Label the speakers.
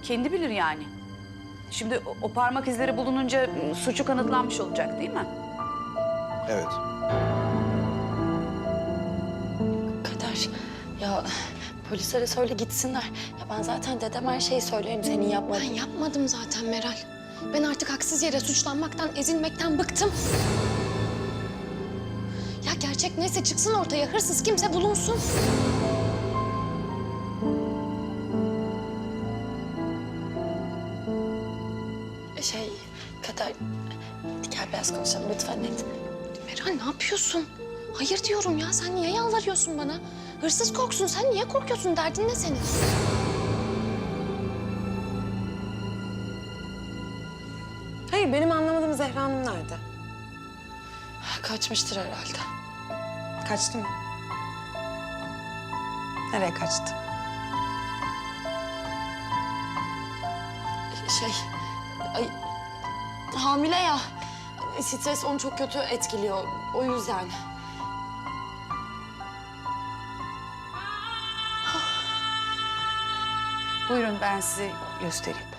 Speaker 1: kendi bilir yani. Şimdi o parmak izleri bulununca suçu kanıtlanmış olacak değil mi?
Speaker 2: Evet.
Speaker 3: Kader, ya polislere söyle gitsinler. Ya ben zaten dedem her şeyi söylerim senin yapmadığın.
Speaker 4: Ben yapmadım zaten Meral. Ben artık haksız yere suçlanmaktan, ezilmekten bıktım. Ya gerçek neyse çıksın ortaya, hırsız kimse bulunsun.
Speaker 3: Kader, gel biraz konuşalım lütfen net.
Speaker 4: Meral ne yapıyorsun? Hayır diyorum ya, sen niye yalvarıyorsun bana? Hırsız korksun, sen niye korkuyorsun? Derdin ne senin?
Speaker 5: Hayır, benim anlamadığım Zehra Hanım nerede?
Speaker 3: Kaçmıştır herhalde.
Speaker 5: Kaçtı mı? Nereye kaçtı?
Speaker 3: Ay, hamile ya. Stres onu çok kötü etkiliyor. O yüzden.
Speaker 1: Buyurun ben size göstereyim.